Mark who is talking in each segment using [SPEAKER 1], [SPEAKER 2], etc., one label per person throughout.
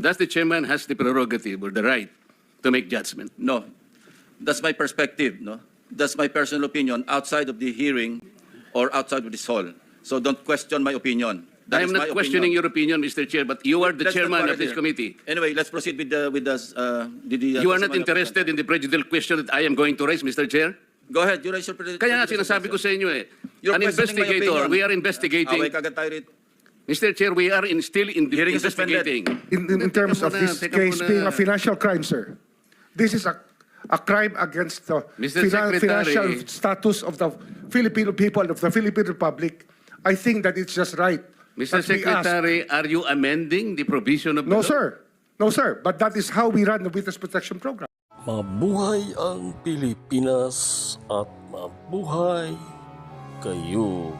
[SPEAKER 1] Does the chairman has the prerogative or the right to make judgment?
[SPEAKER 2] No. That's my perspective, no? That's my personal opinion outside of the hearing or outside of this hall. So don't question my opinion.
[SPEAKER 1] I
[SPEAKER 2] That
[SPEAKER 1] am
[SPEAKER 2] is my
[SPEAKER 1] not questioning
[SPEAKER 2] opinion.
[SPEAKER 1] your opinion, Mr. Chair, but you are the
[SPEAKER 2] Let's not
[SPEAKER 1] chairman
[SPEAKER 2] quarrel
[SPEAKER 1] of this
[SPEAKER 2] here.
[SPEAKER 1] committee.
[SPEAKER 2] Anyway, let's proceed with the
[SPEAKER 1] You are not interested in the prejudicial question that I am going to raise, Mr. Chair?
[SPEAKER 2] Go ahead, you raise your
[SPEAKER 1] Kaya nga sinasabi ko sa inyo eh,
[SPEAKER 2] You're
[SPEAKER 1] an
[SPEAKER 2] questioning my
[SPEAKER 1] investigator,
[SPEAKER 2] opinion.
[SPEAKER 1] we are investigating.
[SPEAKER 2] Away kagad tayo rito.
[SPEAKER 1] Mr. Chair, we are still
[SPEAKER 2] Hearing is suspended.
[SPEAKER 1] investigating.
[SPEAKER 3] In terms
[SPEAKER 1] Teka
[SPEAKER 3] of
[SPEAKER 1] muna,
[SPEAKER 3] this
[SPEAKER 1] teka
[SPEAKER 3] case
[SPEAKER 1] muna.
[SPEAKER 3] being a financial crime, sir, this is a crime against the
[SPEAKER 1] Mr. Secretary.
[SPEAKER 3] financial status of the Filipino people, of the Philippine Republic. I think that it's just right.
[SPEAKER 1] Mr.
[SPEAKER 3] that we ask-
[SPEAKER 1] Secretary, are you amending the provision of the
[SPEAKER 3] No,
[SPEAKER 1] law?
[SPEAKER 3] sir. No, sir. But that is how we run the Witness Protection Program.
[SPEAKER 4] Mabuhay ang Pilipinas at mabuhay kayo.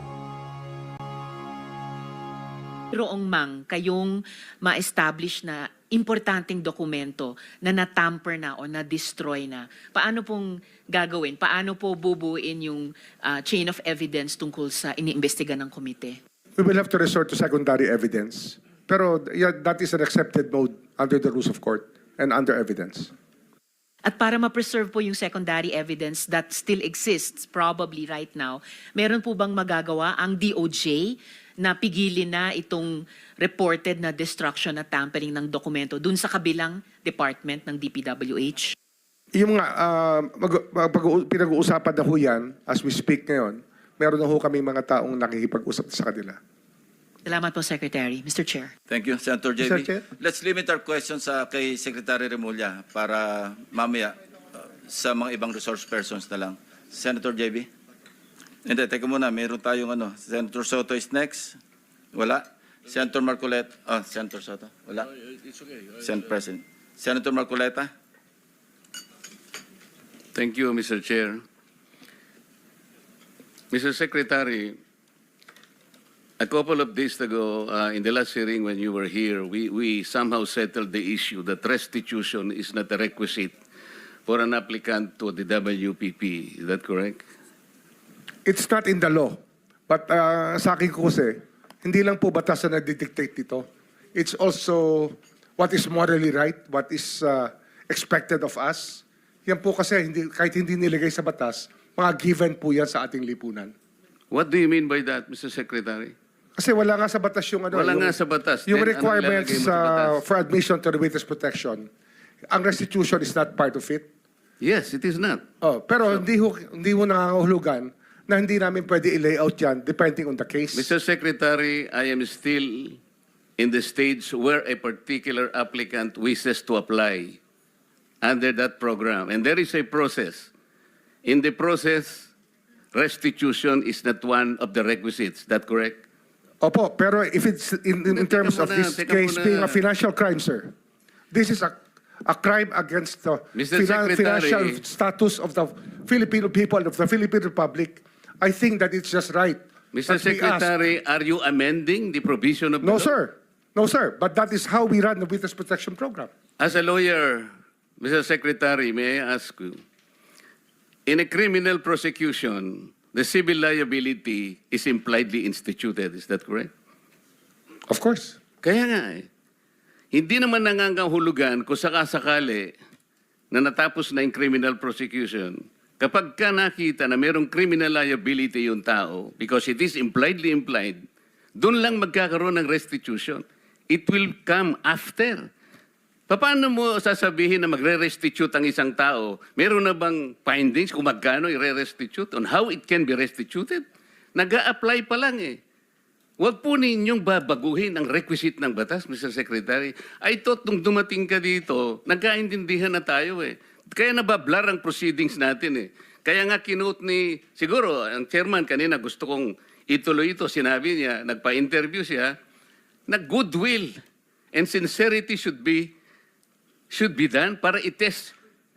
[SPEAKER 5] Mayroong mang kayong ma-establish na importanteng dokumento na natamper na o na-destroy na, paano pong gagawin? Paano po bubuin yung chain of evidence tungkol sa iniimbestiga ng komite?
[SPEAKER 3] We will have to resort to secondary evidence. Pero yeah, that is an accepted mode under the rules of court and under evidence.
[SPEAKER 5] At para ma-preserve po yung secondary evidence that still exists probably right now, meron po bang magagawa ang DOJ na pigilin na itong reported na destruction at tampering ng dokumento dun sa kabilang department ng DPWH?
[SPEAKER 3] Yung nga, pinag-uusapan na ho yan, as we speak ngayon, meron na ho kami mga taong nakikipag-usap sa kanila.
[SPEAKER 5] Salamat po, Secretary. Mr. Chair.
[SPEAKER 2] Thank you, Senator JB.
[SPEAKER 3] Mr. Chair.
[SPEAKER 2] Let's limit our questions kay Secretary Remulla para mamaya sa mga ibang resource persons na lang. Senator JB? Hindi, teka muna. Meron tayong Senator Soto is next. Wala. Senator Marcoleta. Senator Soto. Wala.
[SPEAKER 1] It's okay.
[SPEAKER 2] Senate President. Senator Marcoleta?
[SPEAKER 1] Thank you, Mr. Chair. Mr. Secretary, a couple of days ago, in the last hearing when you were here, we somehow settled the issue that restitution is not a requisite for an applicant to the WPP. Is that correct?
[SPEAKER 3] It's not in the law. But sa akin ko kasi, hindi lang po batas na nagdidictate dito. It's also what is morally right, what is expected of us. Yan po kasi, kahit hindi nilagay sa batas, mga given po yan sa ating lipunan.
[SPEAKER 1] What do you mean by that, Mr. Secretary?
[SPEAKER 3] Kasi wala nga sa batas yung
[SPEAKER 1] Wala nga sa batas.
[SPEAKER 3] Yung
[SPEAKER 1] Then, anong
[SPEAKER 3] requirements
[SPEAKER 1] ilalagay mo sa batas?
[SPEAKER 3] for admission to the witness protection. Ang restitution is not part of it.
[SPEAKER 1] Yes, it is not.
[SPEAKER 3] Pero hindi ho nangangahulugan na hindi namin pwede i-layout yan depending on the case.
[SPEAKER 1] Mr. Secretary, I am still in the stage where a particular applicant wishes to apply under that program. And there is a process. In the process, restitution is not one of the requisites. Is that correct?
[SPEAKER 3] Opo, pero if it's in terms of this
[SPEAKER 1] teka
[SPEAKER 3] case
[SPEAKER 1] muna.
[SPEAKER 3] being a financial crime, sir, this is a crime against the
[SPEAKER 1] Mr. Secretary.
[SPEAKER 3] financial status of the Filipino people, of the Philippine Republic. I think that it's just right.
[SPEAKER 1] Mr.
[SPEAKER 3] that we ask-
[SPEAKER 1] Secretary, are you amending the provision of the
[SPEAKER 3] No,
[SPEAKER 1] law?
[SPEAKER 3] sir. No, sir. But that is how we run the Witness Protection Program.
[SPEAKER 1] As a lawyer, Mr. Secretary, may I ask you, in a criminal prosecution, the civil liability is impliedly instituted. Is that correct?
[SPEAKER 3] Of course.
[SPEAKER 1] Kaya nga eh. Hindi naman nangangahulugan kung sakasakali na natapos na yung criminal prosecution. Kapag ka nakita na mayroong criminal liability yung tao, because it is impliedly implied, doon lang magkakaroon ng restitution. It will come after. Paano mo sasabihin na magre-restitute ang isang tao? Meron na bang findings kung magkano i-restitute on how it can be restituted? Nag-a-apply pa lang eh. Huwag po ninyong babaguhin ang requisite ng batas, Mr. Secretary. I thought nung dumating ka dito, nagkaintindihan na tayo eh. Kaya nabablar ang proceedings natin eh. Kaya nga kinote ni, siguro, ang chairman kanina gusto kong ituloy ito. Sinabi niya, nagpa-interview siya, na goodwill and sincerity should be done para i-test.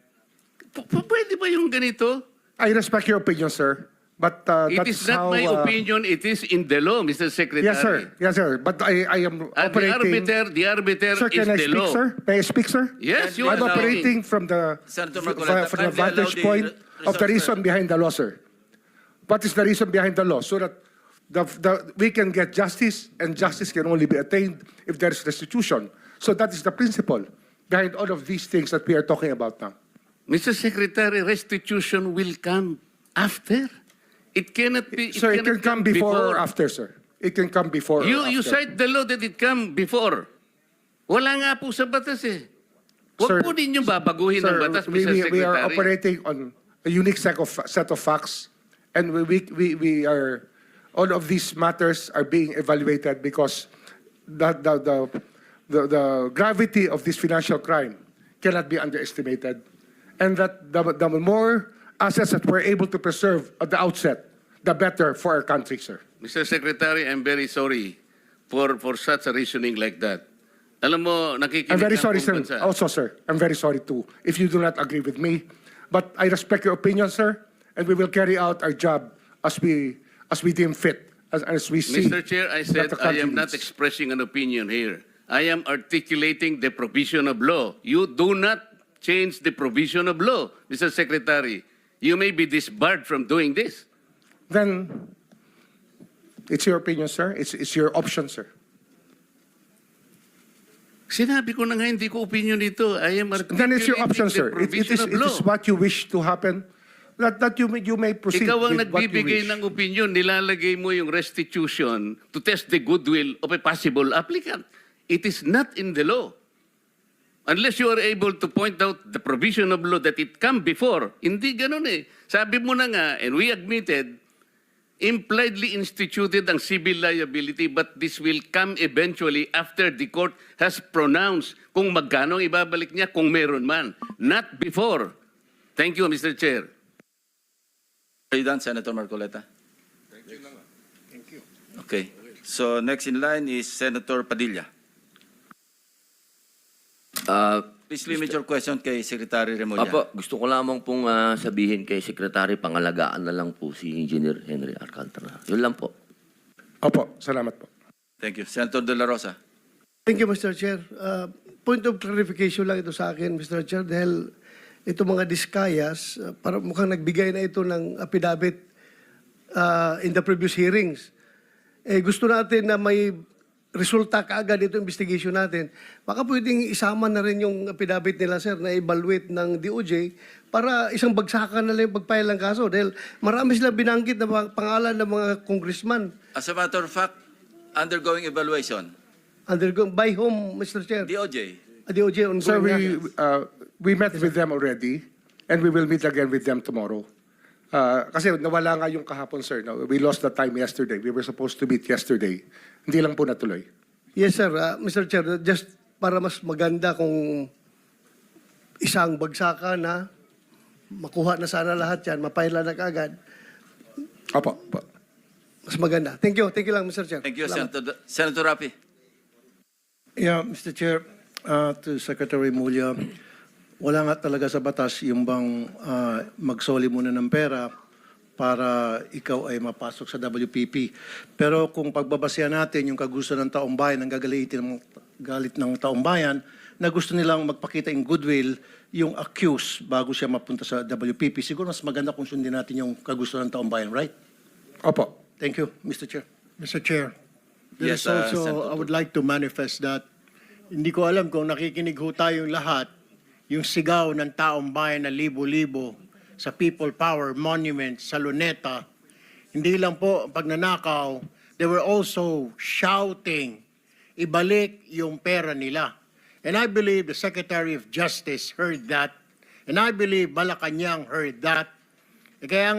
[SPEAKER 1] Pwede ba yung ganito?
[SPEAKER 3] I respect your opinion, sir. But
[SPEAKER 1] It
[SPEAKER 3] that's
[SPEAKER 1] is not
[SPEAKER 3] how,
[SPEAKER 1] my opinion, it is in the law, Mr. Secretary.
[SPEAKER 3] Yes, sir. Yes, sir. But I am
[SPEAKER 1] At
[SPEAKER 3] operating...
[SPEAKER 1] the arbiter
[SPEAKER 3] Sir,
[SPEAKER 1] is
[SPEAKER 3] can I
[SPEAKER 1] the
[SPEAKER 3] speak,
[SPEAKER 1] law.
[SPEAKER 3] sir? May I speak, sir?
[SPEAKER 1] Yes, you
[SPEAKER 3] I'm
[SPEAKER 1] are
[SPEAKER 3] operating from the
[SPEAKER 2] Senator Marcoleta,
[SPEAKER 3] from the
[SPEAKER 2] kindly allow
[SPEAKER 3] vantage
[SPEAKER 2] the
[SPEAKER 3] point of the
[SPEAKER 2] resource
[SPEAKER 3] reason behind the law, sir. What is the reason behind the law? So that we can get justice, and justice can only be attained if there is restitution. So that is the principle behind all of these things that we are talking about now.
[SPEAKER 1] Mr. Secretary, restitution will come after. It cannot be.
[SPEAKER 3] Sir, it can
[SPEAKER 1] cannot
[SPEAKER 3] come before or after, sir. It can come before or
[SPEAKER 1] You
[SPEAKER 3] after.
[SPEAKER 1] cite the law that it come before. Wala nga po sa batas eh. Huwag
[SPEAKER 3] Sir,
[SPEAKER 1] po ninyong babaguhin ang
[SPEAKER 3] Sir,
[SPEAKER 1] batas, Mr. Secretary.
[SPEAKER 3] we are operating on a unique set of facts, and we are, all of these matters are being evaluated because the gravity of this financial crime cannot be underestimated, and that the more assets that we're able to preserve at the outset, the better for our country, sir.
[SPEAKER 1] Mr. Secretary, I'm very sorry for such a reasoning like that. Alam mo, nakikinig
[SPEAKER 3] I'm very
[SPEAKER 1] ang
[SPEAKER 3] sorry,
[SPEAKER 1] buong
[SPEAKER 3] sir.
[SPEAKER 1] bansa.
[SPEAKER 3] Also, sir, I'm very sorry too if you do not agree with me. But I respect your opinion, sir, and we will carry out our job as we deem fit, as we see.
[SPEAKER 1] Mr. Chair, I
[SPEAKER 3] that
[SPEAKER 1] said
[SPEAKER 3] the
[SPEAKER 1] I
[SPEAKER 3] country
[SPEAKER 1] am not
[SPEAKER 3] needs.
[SPEAKER 1] expressing an opinion here. I am articulating the provision of law. You do not change the provision of law, Mr. Secretary. You may be disbarred from doing this.
[SPEAKER 3] Then it's your opinion, sir. It's your option, sir.
[SPEAKER 1] Sinabi ko na nga, hindi ko opinion dito. I am
[SPEAKER 3] Then it's your option,
[SPEAKER 1] articulating
[SPEAKER 3] sir.
[SPEAKER 1] the provision of
[SPEAKER 3] It
[SPEAKER 1] law.
[SPEAKER 3] is what you wish to happen. That you may proceed
[SPEAKER 1] Ikaw ang
[SPEAKER 3] with what you
[SPEAKER 1] nagbibigay
[SPEAKER 3] wish.
[SPEAKER 1] ng opinion, nilalagay mo yung restitution to test the goodwill of a possible applicant. It is not in the law. Unless you are able to point out the provision of law that it come before. Hindi ganun eh. Sabi mo na nga, and we admitted, impliedly instituted ang civil liability, but this will come eventually after the court has pronounced kung magkano ang ibabalik niya kung meron man. Not before. Thank you, Mr. Chair.
[SPEAKER 2] Are you done, Senator Marcoleta? Thank you. Okay. So next in line is Senator Padilla. Please limit your question kay Secretary Remulla.
[SPEAKER 6] Apo, gusto ko lamang pong sabihin kay Secretary, pangalagaan na lang po si Engineer Henry Alcantara. Yun lang po.
[SPEAKER 3] Opo, salamat po.
[SPEAKER 2] Thank you. Senator De La Rosa.
[SPEAKER 7] Thank you, Mr. Chair. Point of clarification lang ito sa akin, Mr. Chair, dahil ito mga diskayas, para mukhang nagbigay na ito ng affidavit in the previous hearings. Gusto natin na may resulta kaagad ito investigation natin. Baka pwedeng isama na rin yung affidavit nila, sir, na evaluate ng DOJ para isang bagsakan na lang yung pagpile ng kaso. Dahil marami sila binanggit na pangalan ng mga congressman.
[SPEAKER 2] As a matter of fact, undergoing evaluation.
[SPEAKER 7] Undergoing by whom, Mr. Chair?
[SPEAKER 2] DOJ.
[SPEAKER 7] DOJ on
[SPEAKER 3] Sir, we met with them already, and we will meet again with them tomorrow. Kasi nawala nga yung kahapon, sir. No? We lost the time yesterday. We were supposed to meet yesterday. Hindi lang po natuloy.
[SPEAKER 7] Yes, sir. Mr. Chair, just para mas maganda kung isang bagsakan na makuha na sana lahat yan, mapaila na kaagad,
[SPEAKER 3] Opo. Opo.
[SPEAKER 7] mas maganda. Thank you. Thank you lang, Mr. Chair.
[SPEAKER 2] Thank you,
[SPEAKER 7] Salamat.
[SPEAKER 2] Senator Rapi.
[SPEAKER 8] Yeah, Mr. Chair, to Secretary Mulya, wala nga talaga sa batas yung bang magsoli muna ng pera para ikaw ay mapasok sa WPP. Pero kung pagbabasehan natin yung kagusto ng taong bayan, ang galit ng taong bayan, na gusto nilang magpakita in goodwill yung accused bago siya mapunta sa WPP, siguro mas maganda kung sundin natin yung kagusto ng taong bayan, right?
[SPEAKER 3] Opo.
[SPEAKER 8] Thank you, Mr. Chair.
[SPEAKER 9] Mr. Chair, there
[SPEAKER 2] Yes,
[SPEAKER 9] is also,
[SPEAKER 2] Senator
[SPEAKER 9] I would like to manifest that hindi ko alam kung nakikinig ho tayong lahat, yung sigaw ng taong bayan na libo-libo sa People Power Monument sa Luneta, hindi lang po pagnanakaw, they were also shouting, ibalik yung pera nila. And I believe the Secretary of Justice heard that, and I believe Malacanang heard that. Kaya